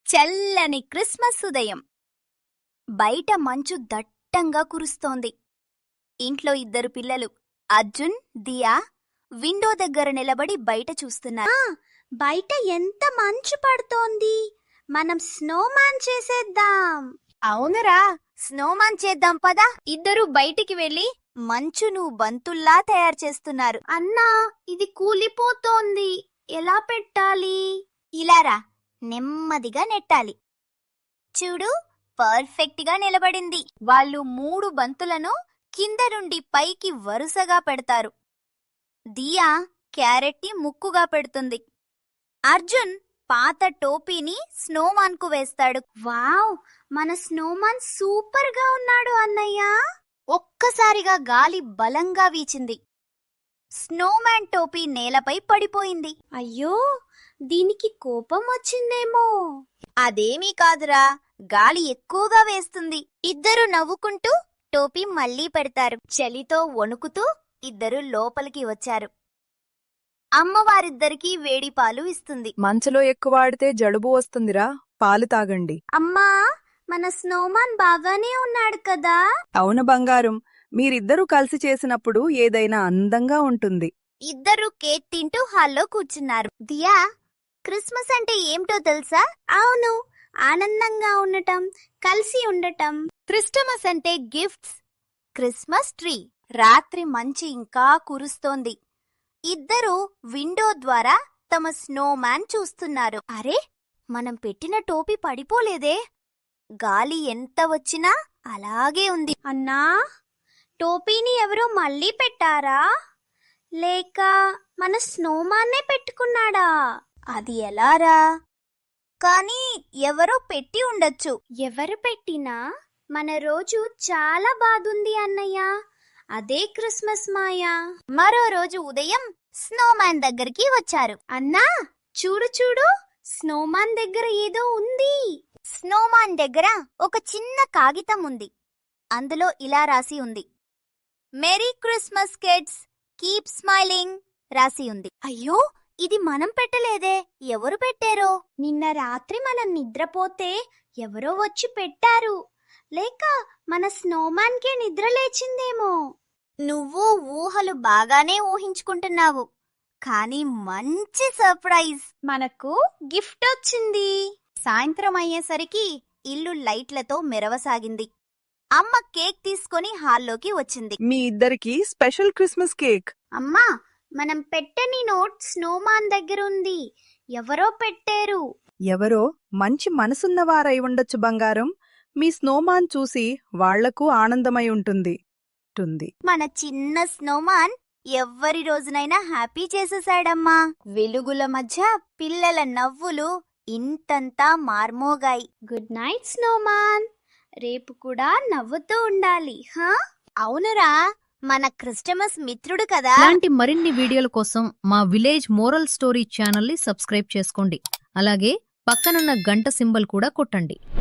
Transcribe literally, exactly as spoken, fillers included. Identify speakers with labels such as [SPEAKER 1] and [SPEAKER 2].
[SPEAKER 1] చల్లని క్రిస్మస్ ఉదయం. బయట మంచు దట్టంగా కురుస్తోంది. ఇంట్లో ఇద్దరు పిల్లలు అర్జున్, దియా విండో దగ్గర నిలబడి బయట చూస్తున్నారు.
[SPEAKER 2] బయట ఎంత మంచు పడుతోంది. మనం స్నోమాన్ చేసేద్దాం.
[SPEAKER 1] అవునరా, స్నోమాన్ చేద్దాం పదా. ఇద్దరు బయటికి వెళ్లి మంచును బంతుల్లా తయారు చేస్తున్నారు.
[SPEAKER 2] అన్నా, ఇది కూలిపోతోంది. ఎలా పెట్టాలి?
[SPEAKER 1] ఇలారా, నెమ్మదిగా నెట్టాలి. చూడు, పర్ఫెక్ట్ గా నిలబడింది. వాళ్ళు మూడు బంతులను కింద నుండి పైకి వరుసగా పెడతారు. దియా క్యారెట్ని ముక్కుగా పెడుతుంది. అర్జున్ పాత టోపీని స్నోమాన్ కు వేస్తాడు.
[SPEAKER 2] వావ్, మన స్నోమాన్ సూపర్ గా ఉన్నాడు అన్నయ్య.
[SPEAKER 1] ఒక్కసారిగా గాలి బలంగా వీచింది. స్నోమాన్ టోపీ నేలపై పడిపోయింది.
[SPEAKER 2] అయ్యో, దీనికి కోపం వచ్చిందేమో.
[SPEAKER 1] అదేమీ కాదురా, గాలి ఎక్కువగా వేస్తుంది. ఇద్దరు నవ్వుకుంటూ టోపీ మళ్లీ పెడతారు. చలితో వణుకుతూ ఇద్దరు లోపలికి వచ్చారు. అమ్మవారిద్దరికీ వేడి పాలు ఇస్తుంది.
[SPEAKER 3] మంచులో ఎక్కువ ఆడితే జలుబు వస్తుందిరా, పాలు తాగండి.
[SPEAKER 2] అమ్మా, మన స్నోమాన్ బాగానే ఉన్నాడు కదా?
[SPEAKER 3] అవును బంగారం, మీరిద్దరూ కలిసి చేసినప్పుడు ఏదైనా అందంగా ఉంటుంది.
[SPEAKER 1] ఇద్దరు కేక్ తింటూ హాల్లో కూర్చున్నారు. దియా, క్రిస్మస్ అంటే ఏమిటో తెలుసా?
[SPEAKER 2] అవును, ఆనందంగా ఉండటం, కలిసి ఉండటం.
[SPEAKER 1] క్రిస్టమస్ అంటే గిఫ్ట్స్. Christmas tree. రాత్రి మంచి ఇంకా కురుస్తోంది. ఇద్దరూ విండో ద్వారా తమ స్నోమాన్ చూస్తున్నారు. అరే, మనం పెట్టిన టోపీ పడిపోలేదే. గాలి ఎంత వచ్చినా అలాగే ఉంది.
[SPEAKER 2] అన్నా, టోపీని ఎవరో మళ్ళీ పెట్టారా? లేక మన స్నోమాన్నే పెట్టుకున్నాడా?
[SPEAKER 1] అది ఎలారా? కానీ ఎవరో పెట్టి ఉండొచ్చు.
[SPEAKER 2] ఎవరు పెట్టినా మన రోజు చాలా బాగుంది అన్నయ్య. అదే క్రిస్మస్ మాయా.
[SPEAKER 1] మరో రోజు ఉదయం స్నోమాన్ దగ్గరికి వచ్చారు.
[SPEAKER 2] అన్నా, చూడు చూడు, స్నోమాన్ దగ్గర ఏదో ఉంది.
[SPEAKER 1] స్నోమాన్ దగ్గర ఒక చిన్న కాగితం ఉంది. అందులో ఇలా రాసి ఉంది, merry Christmas kids, keep smiling రాసి ఉంది. అయ్యో, ఇది మనం పెట్టలేదే, ఎవరు పెట్టారో?
[SPEAKER 2] నిన్న రాత్రి మనం నిద్రపోతే ఎవరో వచ్చి పెట్టారు. లేక మన స్నోమాన్కే నిద్ర లేచిందేమో.
[SPEAKER 1] నువ్వు ఊహలు బాగానే ఊహించుకుంటున్నావు, కానీ మంచి సర్ప్రైజ్.
[SPEAKER 2] మనకు గిఫ్ట్ వచ్చింది.
[SPEAKER 1] సాయంత్రం అయ్యేసరికి ఇల్లు లైట్లతో మెరవసాగింది. అమ్మ కేక్ తీసుకొని హాల్లోకి వచ్చింది.
[SPEAKER 3] మీ ఇద్దరికి స్పెషల్ క్రిస్మస్ కేక్.
[SPEAKER 2] అమ్మా, మనం పెట్టని నోట్ స్నోమాన్ దగ్గర ఉంది. ఎవరో పెట్టారు.
[SPEAKER 3] ఎవరో మంచి మనసున్నవారై ఉండొచ్చు బంగారం. మీ స్నోమాన్ చూసి వాళ్లకు ఆనందమై ఉంటుంది. టుంది.
[SPEAKER 1] మన చిన్న స్నోమాన్ ఎవ్వరి రోజునైనా హ్యాపీ చేసేశాడమ్మా. వెలుగుల మధ్య పిల్లల నవ్వులు ఇంతంతా మార్మోగాయి.
[SPEAKER 2] Good night snowman. రేపు కూడా నవ్వుతూ ఉండాలి. హా?
[SPEAKER 1] అవునురా, మన క్రిస్టమస్ మిత్రుడు కదా.
[SPEAKER 4] ఇలాంటి మరిన్ని వీడియోల కోసం మా విలేజ్ మోరల్ స్టోరీ ఛానల్ ని సబ్స్క్రైబ్ చేసుకోండి. అలాగే పక్కనున్న గంట సింబల్ కూడా కొట్టండి.